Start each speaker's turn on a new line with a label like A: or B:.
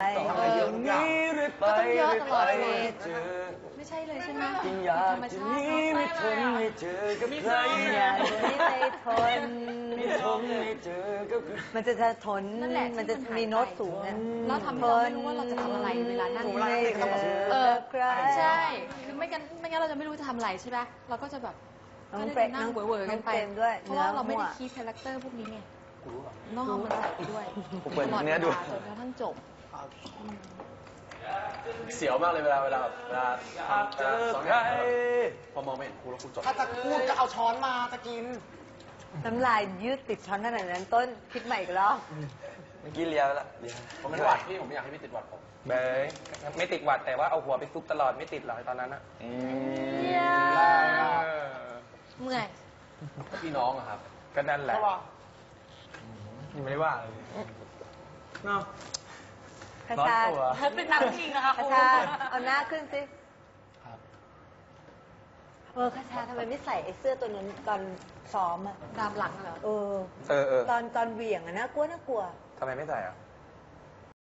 A: อย่างนี้เรื่อยไปเรื่อยไปเจอ
B: ไม่ใช่เลยใช่ไหม
A: กินยาจะนี้ไม่ทนไม่เจอกับใคร
C: อยากจะไม่ทน
A: ไม่ทนไม่เจอกับใคร
C: มันจะทนมันจะมีโน้ตสูง
B: เราทำให้เราไม่รู้ว่าเราจะทำอะไรเวลานั่ง
C: ไม่เจอใคร
B: ใช่คือไม่งั้นเราจะไม่รู้จะทำอะไรใช่ไหมเราก็จะแบบ
C: น้อง
B: ก็
C: เปร
B: จะ
C: ม
B: นั่งเวอร์ๆกันไป
C: ด้วย
B: เพราะว่าเราไม่ได้คีย์คาแรคเตอร์พวกนี้ไงต้องเอามันใส่ไปด้วย
A: ผมเปิดเนื้อดู
B: จนกระทั่งจบ
D: เสียวมากเลยเวลา
A: เจอใคร
D: พอมองไม่เห็นครูแล้วครูจบ
E: ถ้าจะพูดก็เอาช้อนมาจะกิน
C: น้ำลายยืดติดช้อนขนาดนั้นต้นคิดใหม่อีกรอบ
A: เมื่อกี้เลียไปละเลีย
D: ผมเป็นหวัดพี่ผมไม่อยากให้พี่ติดหวัดผม
F: เบยไม่ติดหวัดแต่ว่าเอาหัวไปซุกตลอดไม่ติดหรอกตอนนั้นอะ
B: เมื่อย
D: พี่น้องอะครับ
F: ก็นั่นแหละ
A: ยังไม่ได้ว่าเลยเนาะ
C: คาชา
B: เป็นนักจริงนะคะ
C: คาชาเอาหน้าขึ้นสิคาชาทำไมไม่ใส่ไอ้เสื้อตัวนั้นตอนซ้อมอ่ะ
B: ดามหลังเหรอ
C: ตอนเหวี่ยงอะน่ากลัว
F: ทำไมไม่ใส่อะ